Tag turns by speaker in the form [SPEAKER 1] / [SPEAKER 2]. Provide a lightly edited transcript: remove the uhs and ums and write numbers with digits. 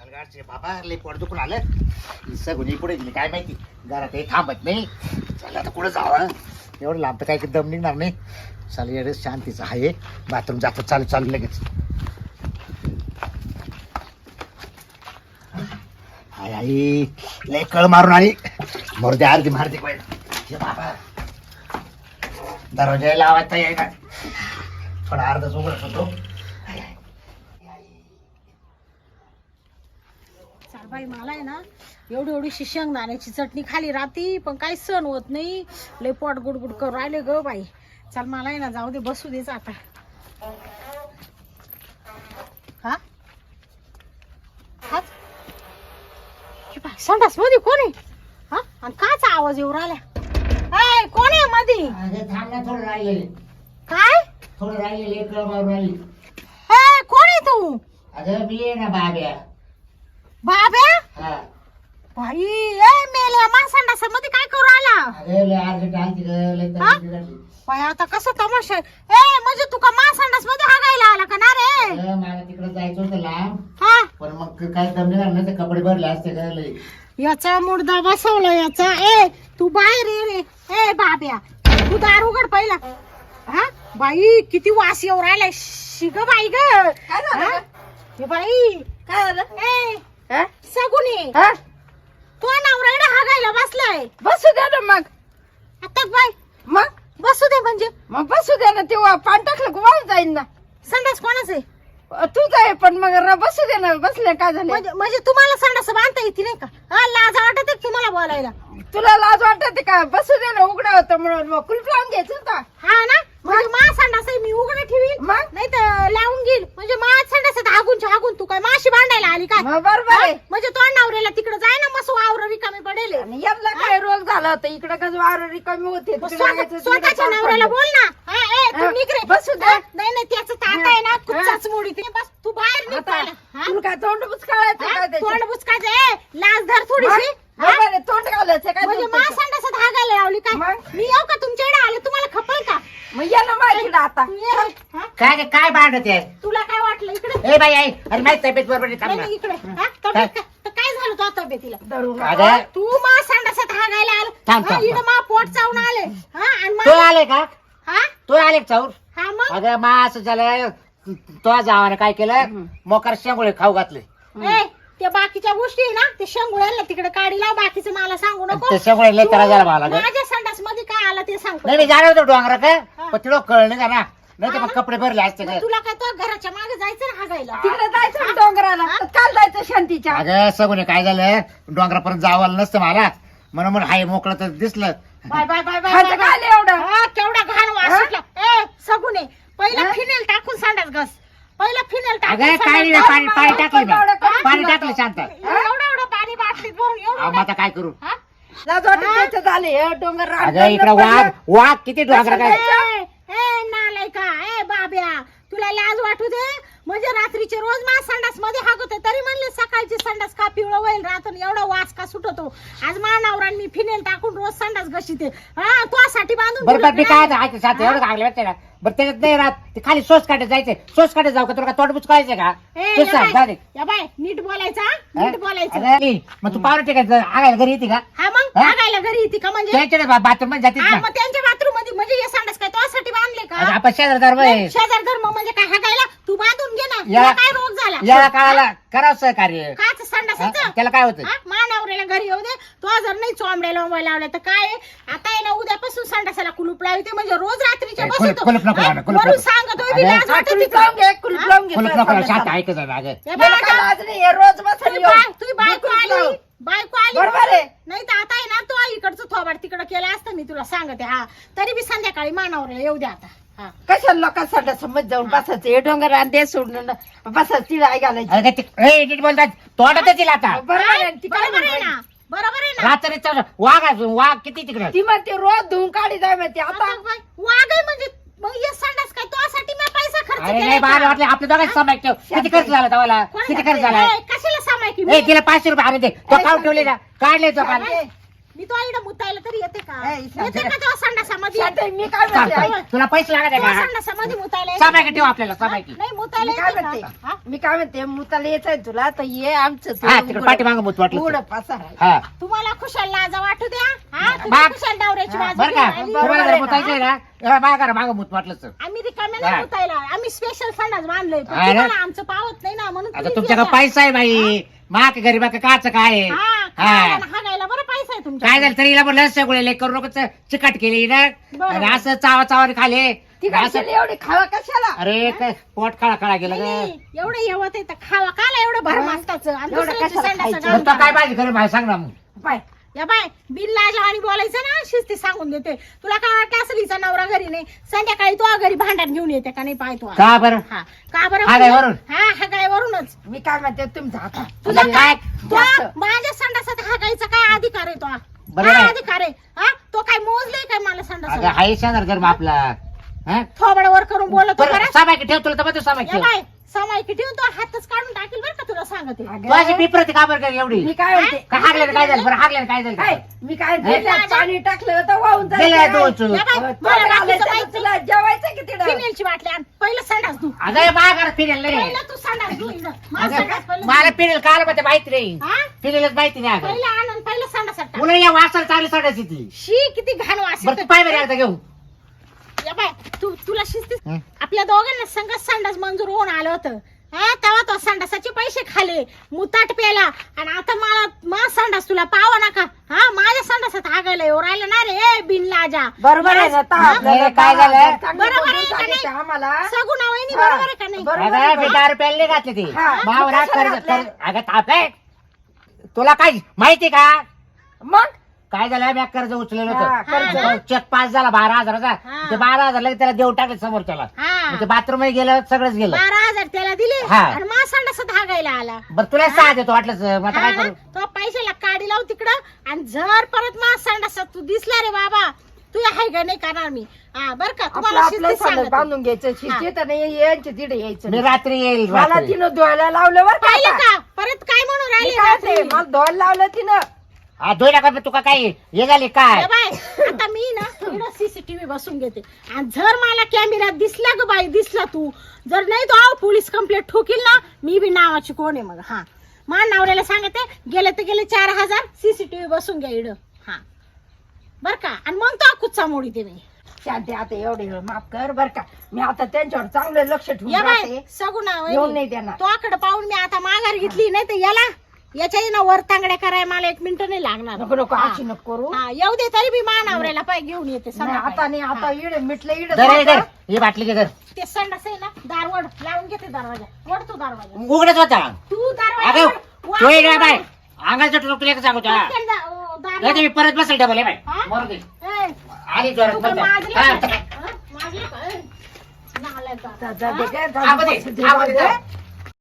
[SPEAKER 1] अलगाडचे बाबा लई पोट दुखून आलं. सगुनी पुढे गेली काय माहिती. घरात हे थांबत नाही. चला आता कुठं जावं. एवढं लांब तर काही दम निघणार नाही. चाल एवढं शांतीचं आहे. बाथरूम जातो. चालू चालू लगेच. आई आई लय कळ मारून आली. मोरदे अर्धी मारते पाहिजे बाबा. दरवाजा लावायचा आहे का थोडा अर्धाच उघडत होतो.
[SPEAKER 2] चाल बाई मला आहे ना एवढी एवढीशी शेंगदाण्याची चटणी खाली राहती पण काही सण होत नाही. लय पोट गुडगुड करून राहिले ग बाई. चाल मला आहे ना जाऊ दे बसू देच आता. हा हाच संडास मध्ये कोण आहे. हा आणि काचा आवाज येऊ राहिला. ए कोण आहे मध्ये.
[SPEAKER 1] थांब ना थोडं राहिले.
[SPEAKER 2] काय
[SPEAKER 1] थोडं राहिले कळ मारून राहिली.
[SPEAKER 2] ए कोण आहे तू.
[SPEAKER 1] अगं मी आहे ना बाब्या.
[SPEAKER 2] बाब्या
[SPEAKER 1] हा
[SPEAKER 2] बाई ए मेल्या मा संडासामध्ये काय करू राहिला.
[SPEAKER 1] अगं लय अर्जंट आलती गं. लय
[SPEAKER 2] हा?
[SPEAKER 1] तब्येत बिघडली.
[SPEAKER 2] बाई आता कसं तमाशा आहे? ए म्हणजे तू का मा संडास मध्ये हागायला आला का ना रे.
[SPEAKER 1] अगं मला तिकडे जायचं होतं लांब.
[SPEAKER 2] हा
[SPEAKER 1] पण मग काय दम निघाल ना ते कपडे भरले असते गं लय.
[SPEAKER 2] याचा मुर्दा बसवला याचा. ए तू बाहेर ये रे. ए बाब्या तू दार उघड पहिला. हा बाई किती वास येऊ राहिलाय. शिग बाई ग. हा? हे बाई
[SPEAKER 3] काय झालं?
[SPEAKER 2] ए सगुनी
[SPEAKER 3] हा?
[SPEAKER 2] तो नवरा इकडे हागायला बसलाय.
[SPEAKER 3] बसू दे ना मग.
[SPEAKER 2] आता बाई
[SPEAKER 3] मग
[SPEAKER 2] बसू दे म्हणजे
[SPEAKER 3] मग बसू दे ना. तेव्हा पाणी टाकलं की वाहून जाईन ना.
[SPEAKER 2] संडास कोणाच आहे.
[SPEAKER 3] तूच आहे पण मग बसू दे ना. बसले काय झाले.
[SPEAKER 2] म्हणजे तुम्हाला संडास बांधता येते नाही का. हा लाज वाटत आहे तुम्हाला बोलायला.
[SPEAKER 3] तुला लाज वाटते का. बसू दे ना. उघडा होतं म्हणून मग कुलूप लावून घ्यायचं होता.
[SPEAKER 2] हा ना म्हणजे मा संडास आहे मी उघडे ठेवी
[SPEAKER 3] मग
[SPEAKER 2] नाही तर लावून घेईल. म्हणजे मा संडास हागून हागून तू काय माशी बांधायला आली काय.
[SPEAKER 3] मग बरोबर
[SPEAKER 2] हा?
[SPEAKER 3] आहे.
[SPEAKER 2] म्हणजे तो नवऱ्याला तिकडे जाय ना मस्त वावर रिकामी पडेल.
[SPEAKER 3] आणि याला काय रोग झाला होता. इकडे कसं वार रिकामी होते. तिकडे लागायचं, तिकडे
[SPEAKER 2] स्वतःच्या
[SPEAKER 3] पाऊस
[SPEAKER 2] नवऱ्याला
[SPEAKER 3] पडलं.
[SPEAKER 2] बोल ना. हा, ए, तू
[SPEAKER 3] हा,
[SPEAKER 2] निघ रे.
[SPEAKER 3] बसू दे.
[SPEAKER 2] हा, नाही नाही त्याचं ताट आहे ना कुचाच मोडी ते बस तू बाहेर निघ
[SPEAKER 3] आता
[SPEAKER 2] पहिला. हा?
[SPEAKER 3] तुला काय तोंड बुचकाळायचं
[SPEAKER 2] हा?
[SPEAKER 3] काय त्याच्यात?
[SPEAKER 2] तोंड बुचकायचं. ए लाज धर थोडीशी.
[SPEAKER 3] मग बरोबर आहे, तोंड घालायचं काय
[SPEAKER 2] म्हणजे मा
[SPEAKER 3] त्याच्यात?
[SPEAKER 2] संडासात हागायला लावली काय.
[SPEAKER 3] मग?
[SPEAKER 2] मी येऊ का तुमच्याकडे आले तुम्हाला खपल का.
[SPEAKER 3] मग या ना माझ्याकडे आता.
[SPEAKER 2] तू ये रे. हा?
[SPEAKER 1] काय काय भांडत आहे.
[SPEAKER 2] तुला काय वाटलं इकडे.
[SPEAKER 1] ए बाई आई अरे माझी तब्येत बरोबर नाही. थांब
[SPEAKER 2] नाही
[SPEAKER 1] ना.
[SPEAKER 2] नाही, इकडे. हा? तब्येत तर काय झालं तो तब्येतीला.
[SPEAKER 3] धरून
[SPEAKER 1] अगं
[SPEAKER 2] तू मा संडासात हागायला आला.
[SPEAKER 1] थांब,
[SPEAKER 2] हा,
[SPEAKER 1] थांब,
[SPEAKER 2] इकडं मा पोट चावून आले. हा आणि
[SPEAKER 1] तो
[SPEAKER 2] मा-
[SPEAKER 1] आले का.
[SPEAKER 2] हा
[SPEAKER 1] तो आले का चाऊर.
[SPEAKER 2] हा मग
[SPEAKER 1] अगं मा असं झालं. तो जावाने काय केलं मोकार शेंगोळे खाऊ घातले.
[SPEAKER 2] ए त्या बाकीच्या गोष्टी आहे ना ते शेंगुळ्याला तिकडे काढी लाव. बाकीचं मला सांगू नको.
[SPEAKER 1] ते शेंगोळे लय त्रास झाला मला
[SPEAKER 2] तू
[SPEAKER 1] गं.
[SPEAKER 2] माझ्या संडास मध्ये काय आला ते सांग.
[SPEAKER 1] नाही मी जाणार होतो डोंगरा का
[SPEAKER 2] हा.
[SPEAKER 1] पण तिला कळ नाही का ना. नाही तर
[SPEAKER 2] हा
[SPEAKER 1] मग
[SPEAKER 2] ना?
[SPEAKER 1] कपडे भरले असते
[SPEAKER 2] मग
[SPEAKER 1] का.
[SPEAKER 2] तुला काय तो घराच्या मागे जायचं ना हागायला.
[SPEAKER 3] तिकडे जायचं ना डोंगराला. काल जायचं शांतीच्या.
[SPEAKER 1] अगं सगुने काय झालं डोंगरापर्यंत जावं नसतं मला म्हणून हाय मोकळं तर दिसलं.
[SPEAKER 2] बाय बाय बाय बाय
[SPEAKER 3] खायचं
[SPEAKER 2] बाय,
[SPEAKER 3] काय
[SPEAKER 2] बाय.
[SPEAKER 3] आलं एवढं.
[SPEAKER 2] हा, केवढा घाण वास
[SPEAKER 3] हा?
[SPEAKER 2] सुटला. ए सगुने पहिला
[SPEAKER 3] हा?
[SPEAKER 2] फिनेल टाकून संडास घास. पहिला फिनेल टाकून
[SPEAKER 1] अगं
[SPEAKER 2] संडास
[SPEAKER 1] काय नाही
[SPEAKER 2] घास.
[SPEAKER 1] पाणी पाणी टाकलं
[SPEAKER 3] एवढं
[SPEAKER 1] मी.
[SPEAKER 3] कमी
[SPEAKER 1] पाणी
[SPEAKER 3] तुला
[SPEAKER 1] टाकलं शांत.
[SPEAKER 2] एवढं एवढं पाणी बाटलीत भरून
[SPEAKER 1] अहो,
[SPEAKER 2] एवढं
[SPEAKER 1] मग आता काय करू.
[SPEAKER 2] हा?
[SPEAKER 3] लाज वाटत त्याचं झाले. हे डोंगर रान
[SPEAKER 1] अगं इकडे वाघ वाघ किती डोंगरा काय.
[SPEAKER 2] ए, ए नालायका. ए बाब्या तुला लाज वाटू दे. म्हणजे रात्रीचे रोज मा संडास मध्ये हागवते तरी म्हणले सकाळची संडास का पिवळं होईल राहतो एवढा वास का सुटतो. आज मा नवरान मी फिनेल टाकून रोज संडास घशीते. हा तुझ्यासाठी बांधून
[SPEAKER 1] बरं बरं मी
[SPEAKER 2] दिलं
[SPEAKER 1] काय ऐक साथ एवढं लागले वाटतं ना. बरं त्याच्यात नाही राहत ते खाली सोस काढत जायचंय. सोस काढत जाऊ का तुला तोंड बुचकायचं का.
[SPEAKER 2] ए,
[SPEAKER 1] तू
[SPEAKER 2] या
[SPEAKER 1] सांग
[SPEAKER 2] बाय,
[SPEAKER 1] जा दे.
[SPEAKER 2] या बाय नीट बोलायचा.
[SPEAKER 1] हा?
[SPEAKER 2] नीट बोलायचं.
[SPEAKER 1] अगं, ए, मग तू पावलं टिकायचं आगायला घरी येते का.
[SPEAKER 2] हा मग
[SPEAKER 1] हा?
[SPEAKER 2] हागायला घरी येते का म्हणजे.
[SPEAKER 1] त्यांच्या बाथरूम मध्ये जातीस
[SPEAKER 2] हा,
[SPEAKER 1] ना.
[SPEAKER 2] मग त्यांच्या बाथरूम मध्ये म्हणजे हे संडास काय तुझ्यासाठी बांधले
[SPEAKER 1] अगं,
[SPEAKER 2] का.
[SPEAKER 1] आपण शेजारदार बाई.
[SPEAKER 2] शेजार धर्म म्हणजे काय हागायला तू बांधून घे ना.
[SPEAKER 1] या-
[SPEAKER 2] तुला काय रोग झाला.
[SPEAKER 1] या काळाला करावं सहकार्य.
[SPEAKER 2] काच
[SPEAKER 1] हा?
[SPEAKER 2] संडासाचं.
[SPEAKER 1] त्याला काय होतं.
[SPEAKER 2] हा, मानावऱ्याला घरी येऊ दे. तो जर नाही चोंबड्या लोंबड्या लावल्या तर काय आहे? आता आहे ना उद्यापासून संडासाला कुलूप लावते म्हणजे रोज रात्रीच्या
[SPEAKER 1] ए,
[SPEAKER 2] बसतो.
[SPEAKER 1] कुलूप नको लावणं, कुलूप
[SPEAKER 2] वरून
[SPEAKER 1] नको.
[SPEAKER 2] सांगतोय बी
[SPEAKER 1] अगं,
[SPEAKER 2] लाज वाटते
[SPEAKER 3] कुलूप
[SPEAKER 2] का?
[SPEAKER 3] लावून घे. कुलूप लावून घे.
[SPEAKER 1] कुलूप नको लावू, शांत ऐकत जा ना अगं.
[SPEAKER 2] हे
[SPEAKER 3] याला
[SPEAKER 2] बघा
[SPEAKER 3] काय
[SPEAKER 2] आता,
[SPEAKER 3] लाज नाही. हे रोज बसून
[SPEAKER 2] तुझी
[SPEAKER 3] येऊन.
[SPEAKER 2] तुझी बायको
[SPEAKER 3] कुलूप लाव.
[SPEAKER 2] आली. बायको आली
[SPEAKER 3] बरोबर आहे.
[SPEAKER 2] नाही तर आता आहे ना तो इकडचं थोबाड तिकडं केलं असतं मी तुला सांगते. हा तरी बी संध्याकाळी मानावऱ्याला येऊ दे आता. हा
[SPEAKER 3] कशाला लोकांसाठी समज जाऊन बसायचं. हे डोंगर रान दे सोडून बसायचं. तिला आई घालायची.
[SPEAKER 1] अगं ते ए, नीट बोलतात तोंडातच येईल आता.
[SPEAKER 3] बरोबर आहे. ती काय
[SPEAKER 2] बरोबर आहे
[SPEAKER 3] म्हणते?
[SPEAKER 2] ना. बरोबर आहे ना.
[SPEAKER 1] रात्रीचा वाघ असून वाघ किती तिकडे.
[SPEAKER 3] ती म्हणते रोज धुवून काढी जाय म्हणते. आता
[SPEAKER 2] आता बाय, वाघ आहे म्हणजे मग हे संडास काय तुझ्यासाठी मी पैसा खर्च
[SPEAKER 1] अरे नाही
[SPEAKER 2] केलाय
[SPEAKER 1] बाहेर
[SPEAKER 2] का?
[SPEAKER 1] वाटले आपल्या दोघांची समाय ठेव. किती खर्च झाला तवाला.
[SPEAKER 2] कोणी
[SPEAKER 1] किती
[SPEAKER 2] घातले?
[SPEAKER 1] खर्च झाला.
[SPEAKER 2] ए, कशाला सामायिक
[SPEAKER 1] ए तिला 500 रुपये आणून दे. तो काढून ठेवले ना काढले तो काल.
[SPEAKER 2] मी तो आईला मुतायला तरी येते का
[SPEAKER 3] ए, शांत
[SPEAKER 2] येते का तो संडासामध्ये
[SPEAKER 3] शांत आहे, मी काय म्हणते
[SPEAKER 1] चाल,
[SPEAKER 3] ऐक.
[SPEAKER 1] तुला पैसे लागत आहे
[SPEAKER 2] तो
[SPEAKER 1] का
[SPEAKER 2] संडासामध्ये मुतायला येते
[SPEAKER 1] सामायिक
[SPEAKER 2] का?
[SPEAKER 1] ठेव आपल्याला सामायिक
[SPEAKER 2] नाही मुतायला
[SPEAKER 3] मी काय
[SPEAKER 2] येते
[SPEAKER 3] म्हणते
[SPEAKER 2] का? हा?
[SPEAKER 3] मी काय म्हणते मुताला यायचंय तुला तर ये आमचं
[SPEAKER 1] हा तिकडे पाठीमागं मूत वाटलं
[SPEAKER 3] उघड पासार आहे.
[SPEAKER 1] हा
[SPEAKER 2] तुम्हाला खुशाल लाजा वाटू द्या हा तुम्ही
[SPEAKER 1] बाप.
[SPEAKER 2] खुशाल डावऱ्याची
[SPEAKER 3] हा,
[SPEAKER 2] बाजू
[SPEAKER 1] बरं का
[SPEAKER 2] घेऊन आली.
[SPEAKER 3] बरोबर
[SPEAKER 1] तुम्हाला
[SPEAKER 3] आहे
[SPEAKER 1] जर
[SPEAKER 3] ना?
[SPEAKER 1] मुतायचंय ना मागा मागं मूत वाटलं तर
[SPEAKER 2] आम्ही रिकाम्या
[SPEAKER 1] हा.
[SPEAKER 2] नाही मुतायला आम्ही स्पेशल संडास बांधलोय पण
[SPEAKER 1] अरे.
[SPEAKER 2] तुम्हाला आमचं पावत नाही ना म्हणून
[SPEAKER 1] आता
[SPEAKER 2] तुम्हीच
[SPEAKER 1] तुमच्याकडे
[SPEAKER 2] येता.
[SPEAKER 1] पैसा आहे बाई माक गरीबा काच काय आहे?
[SPEAKER 2] हा
[SPEAKER 1] हा.
[SPEAKER 2] खायला आणि हागायला बरं पैसा आहे तुमच्या
[SPEAKER 1] काय झालं तरी हिला म्हणलं सगळे करू नको चिकट केली ना
[SPEAKER 2] बरोबर.
[SPEAKER 1] आणि असं चावा चावाने खाले
[SPEAKER 3] ती
[SPEAKER 1] असं
[SPEAKER 3] कशाला एवढी खावा कशाला
[SPEAKER 1] अरे काय पोट काळा काळा गेलं ग
[SPEAKER 2] एवढं येवत येतं खावा काला एवढं भर मास्ताचं आणि
[SPEAKER 3] एवढं
[SPEAKER 2] दुसऱ्याची
[SPEAKER 3] कशाला
[SPEAKER 2] संडासं
[SPEAKER 3] खायचं?
[SPEAKER 2] घालून
[SPEAKER 1] मग तो काय
[SPEAKER 2] टाका.
[SPEAKER 1] पाहिजे खरं माहिती सांग ना मग
[SPEAKER 3] पाय
[SPEAKER 2] या बाय बिल लाजला आणि बोलायचं ना शिस्ती सांगून देते तुला काय वाटतं असं हिचा नवरा घरी नाही संध्याकाळी तो घरी भांडण घेऊन येते का नाही पाहतो
[SPEAKER 1] का बरं
[SPEAKER 2] हा का बरं
[SPEAKER 1] हागायवरून?
[SPEAKER 2] हा हागायवरूनच
[SPEAKER 3] मी काय म्हणते तुमचा हाता
[SPEAKER 2] तुझा
[SPEAKER 1] आता
[SPEAKER 2] काय
[SPEAKER 3] जास्त.
[SPEAKER 2] तो माझ्या संडासात हागायचा काय अधिकार आहे तो
[SPEAKER 1] बरोबर
[SPEAKER 2] काय
[SPEAKER 1] आहे.
[SPEAKER 2] अधिकार आहे हा तो काय मोजले काय मला
[SPEAKER 1] अगं
[SPEAKER 2] संडास
[SPEAKER 1] हाय शेजार धर्म आपला हा
[SPEAKER 2] थोबडवर करून बोलतो
[SPEAKER 1] बरं सामायिक ठेव तुला तर मग सामायिक
[SPEAKER 2] या
[SPEAKER 1] ठेव
[SPEAKER 2] बाय समायकी ठेवून तो हातच काढून टाकेल बरं का तुला सांगते
[SPEAKER 3] अगं,
[SPEAKER 1] तू अशी पिपरती का बरं काय एवढी
[SPEAKER 3] मी काय म्हणते
[SPEAKER 1] का हागल्यानं काय झालं बरं हागल्यानं काय
[SPEAKER 3] काय
[SPEAKER 1] झालं
[SPEAKER 3] मी काय
[SPEAKER 1] हे?
[SPEAKER 3] त्याच्यात पाणी टाकलं तर वाहून
[SPEAKER 1] गेलं
[SPEAKER 3] जायचं
[SPEAKER 1] दोन
[SPEAKER 3] काय?
[SPEAKER 1] चूल.
[SPEAKER 2] या बाय,
[SPEAKER 3] अहो,
[SPEAKER 2] मला
[SPEAKER 3] तोंड आलं
[SPEAKER 2] बाकीचं
[SPEAKER 3] तर
[SPEAKER 2] माहिती.
[SPEAKER 3] तुला जेवायचं किती
[SPEAKER 2] फिनेलची बाटली आण पहिलं संडास तू
[SPEAKER 1] अगं माघार फिरेल नाही
[SPEAKER 2] पहिलं तू संडास धु इकडं. माझं
[SPEAKER 1] अगं,
[SPEAKER 2] संडास पहिलं
[SPEAKER 1] मला
[SPEAKER 2] धु.
[SPEAKER 1] फिरेल काल मध्ये माहिती नाही
[SPEAKER 2] हा?
[SPEAKER 1] फिरेलच माहिती नाही अगं
[SPEAKER 2] पहिलं आण आणि पहिलं संडासात टाक.
[SPEAKER 1] मुलं या वासाला चांगली सोडायची ती
[SPEAKER 2] शी किती घाण वास
[SPEAKER 1] बरं तू
[SPEAKER 2] येतो.
[SPEAKER 1] पाय बरं एकदा घेऊ
[SPEAKER 2] या बाय तुला शिस्ती
[SPEAKER 1] हं?
[SPEAKER 2] आपल्या दोघांना संघ संडास मंजूर होऊन आलं होतं हा तेव्हा तो संडासाचे पैसे खाले मुताट प्याला आणि आता मला संडास तुला पावा नका हा माझ्या संडासात हागायला येऊ राहिलं ना रे ए बिन लाजा
[SPEAKER 3] बरोबर आहे ना आता
[SPEAKER 2] हा?
[SPEAKER 3] आपल्याला
[SPEAKER 1] काय झालं?
[SPEAKER 3] चांगलं
[SPEAKER 2] बरोबर आहे
[SPEAKER 3] बोलून
[SPEAKER 2] का
[SPEAKER 3] सांगितलं
[SPEAKER 2] नाही?
[SPEAKER 3] आम्हाला
[SPEAKER 2] सगुणा वहिनी
[SPEAKER 3] हा.
[SPEAKER 2] बरोबर आहे का नाही
[SPEAKER 3] बरोबर
[SPEAKER 1] अगं
[SPEAKER 3] आहे.
[SPEAKER 1] मी 10 रुपयाला नाही घातले ते
[SPEAKER 3] हा.
[SPEAKER 1] मावरा
[SPEAKER 3] कशाला
[SPEAKER 1] कर्ज
[SPEAKER 3] घातले?
[SPEAKER 1] अगं ताप आहे तुला काय माहिती का
[SPEAKER 3] मग
[SPEAKER 1] काय झालं मी कर्ज उचलेलं
[SPEAKER 3] हा,
[SPEAKER 1] होतं
[SPEAKER 3] कर्ज.
[SPEAKER 2] हा.
[SPEAKER 1] चेक पास झाला 12,000चा
[SPEAKER 2] हा.
[SPEAKER 1] ते 12,000 लगेच त्याला देऊन टाकले समोरच्याला
[SPEAKER 2] हा
[SPEAKER 1] ते बाथरूम गेलं सगळंच गेलं
[SPEAKER 2] 12,000 त्याला दिले
[SPEAKER 1] हा.
[SPEAKER 2] आणि मा संडासात हागायला आला
[SPEAKER 1] बरं तुला सहा देतो वाटलंच मग आता काय
[SPEAKER 2] हा?
[SPEAKER 1] करू
[SPEAKER 2] तो पैशाला काढी लाव तिकडं आणि जर परत मा संडासात तू दिसला रे बाबा तू हाय का नाही करणार मी हा बर का
[SPEAKER 3] आपलं
[SPEAKER 2] तुम्हाला
[SPEAKER 3] आपलं
[SPEAKER 2] शिस्तीत
[SPEAKER 3] सगळं
[SPEAKER 2] सांगते.
[SPEAKER 3] बांधून घ्यायचं शिस्ती तर नाही यांच्या तिथे यायचं
[SPEAKER 1] मी
[SPEAKER 3] नाही.
[SPEAKER 1] रात्री येईल
[SPEAKER 3] मला
[SPEAKER 1] रात्री.
[SPEAKER 3] तिनं धुवायला लावलं बरं का
[SPEAKER 2] पाहिलं
[SPEAKER 3] आता?
[SPEAKER 2] का परत काय म्हणून
[SPEAKER 3] मी
[SPEAKER 2] राहिले
[SPEAKER 3] काय ते,
[SPEAKER 2] रात्री?
[SPEAKER 3] मला धुवायला लावलं तिनं
[SPEAKER 1] हा दोन टाका तुका काय हे झाली काय
[SPEAKER 2] ए बाय आता मी ना थोडं सीसीटीव्ही बसून घेते आणि जर मला कॅमेऱ्यात दिसला ग बाई दिसला तू जर नाही तो आव पोलीस कंप्लेंट ठोकील ना मी बी नावाची कोण आहे मग हा मा नवऱ्याला सांगते गेले तर गेले 4,000 सीसीटीव्ही बसून घ्या इड हा बर का आणि मग तो कुच्चा मोडी ते मी
[SPEAKER 3] शांती आता एवढे माफ कर बर का मी आता त्यांच्यावर चांगलं लक्ष ठेवून
[SPEAKER 2] या बाय
[SPEAKER 3] राहते.
[SPEAKER 2] सगुणा
[SPEAKER 3] येऊन नाही देणार.
[SPEAKER 2] तो आकडे पाहून मी आता माघार घेतली नाही तर याला याच्या ना वर तांगड्या करायला मला 1 मिनिट नाही लागणार
[SPEAKER 3] नको नको
[SPEAKER 2] हा.
[SPEAKER 3] अशी नको करू
[SPEAKER 2] हा येऊ दे तरी मी मानावऱ्याला पाय घेऊन येते
[SPEAKER 3] नाही,
[SPEAKER 2] संध्याकाळी.
[SPEAKER 3] आता नाही आता
[SPEAKER 2] हा.
[SPEAKER 3] इड मिटलं इड
[SPEAKER 1] दर हे दर ही बाटली घे दर
[SPEAKER 2] ते संडास आहे ना दारवड लावून घेते दरवाजा वड तू दरवाजा
[SPEAKER 1] उघडच होता
[SPEAKER 2] तू दरवाजा
[SPEAKER 1] अगं
[SPEAKER 2] वड.
[SPEAKER 1] तू ये बाय अंगाचं तुला एक सांगू तुला
[SPEAKER 2] पटकन जा, ओ, दार
[SPEAKER 1] नाही तर मी परत बसेल डबल आहे बाय
[SPEAKER 2] हा?
[SPEAKER 1] मरू दे
[SPEAKER 2] ए,
[SPEAKER 1] आली जोरात
[SPEAKER 2] तू काय
[SPEAKER 1] बस.
[SPEAKER 2] माजली
[SPEAKER 1] हा.
[SPEAKER 2] का? हा? माजली का? ए, नालायक का?
[SPEAKER 3] जा, जा,
[SPEAKER 2] हा?
[SPEAKER 3] दे काय, जा,
[SPEAKER 1] थांबू दे,
[SPEAKER 3] बस, दे,
[SPEAKER 1] थांबू दे,
[SPEAKER 3] दे.
[SPEAKER 1] थांब.